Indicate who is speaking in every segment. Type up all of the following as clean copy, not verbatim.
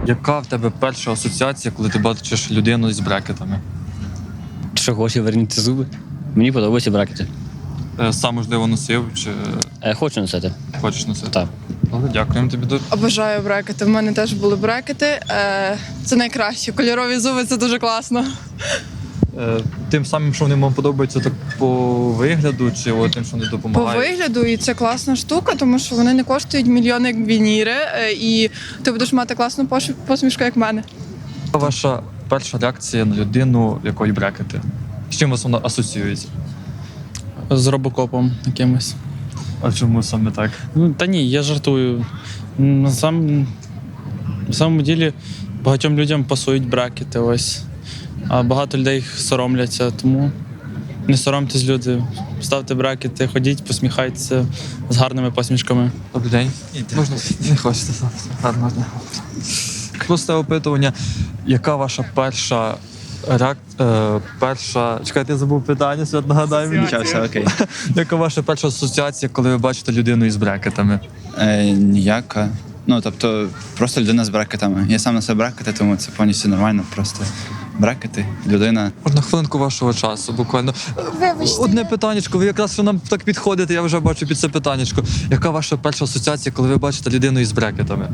Speaker 1: Яка в тебе перша асоціація, коли ти бачиш людину з брекетами?
Speaker 2: Що хоче вернути зуби. Мені подобаються брекети.
Speaker 1: Сам, можливо, носив чи
Speaker 2: Хочу носити.
Speaker 1: хочеш носити?
Speaker 2: Так.
Speaker 1: Добре, дякуємо тобі дуже.
Speaker 3: Обожаю брекети. В мене теж були брекети. Це найкраще. Кольорові зуби це дуже класно.
Speaker 1: Тим самим, що вони вам подобаються так по вигляду, чи тим, що вони
Speaker 3: По
Speaker 1: допомагають?
Speaker 3: вигляду, і це класна штука, тому що вони не коштують мільйони як вініри, і ти будеш мати класну посмішку, як в мене.
Speaker 1: Яка ваша перша реакція на людину, в якої брекети? З чим вас вона асоціюється?
Speaker 4: З робокопом якимось.
Speaker 1: А чому саме так?
Speaker 4: Ну, та ні, я жартую. На самому ділі багатьом людям пасують брекети ось. А багато людей їх соромляться, тому не соромтесь, люди. Ставте брекети, ходіть, посміхайтеся з гарними посмішками.
Speaker 1: Добрий день. Можна? Не хочете. Гарного дня. Просто опитування. Яка ваша перша Чекайте, я забув питання, Свят, нагадай мені.
Speaker 5: Нічого, все окей.
Speaker 1: Яка ваша перша асоціація, коли ви бачите людину із брекетами?
Speaker 5: Ніяка. Ну, тобто, просто людина з брекетами. Я сам на себе брекети, тому це повністю нормально. Просто брекети, людина.
Speaker 1: Можна хвилинку вашого часу, буквально. Одне питаннячко, ви якраз що нам так підходите, я вже бачу під це питаннячко. Яка ваша перша асоціація, коли ви бачите людину із брекетами?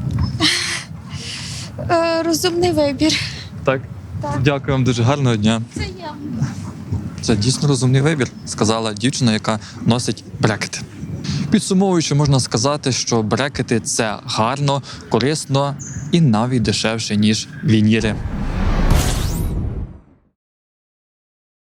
Speaker 6: Розумний вибір.
Speaker 1: Так? Дякую вам дуже, гарного дня. Це дійсно розумний вибір, сказала дівчина, яка носить брекети. Підсумовуючи, можна сказати, що брекети – це гарно, корисно і навіть дешевше, ніж вініри.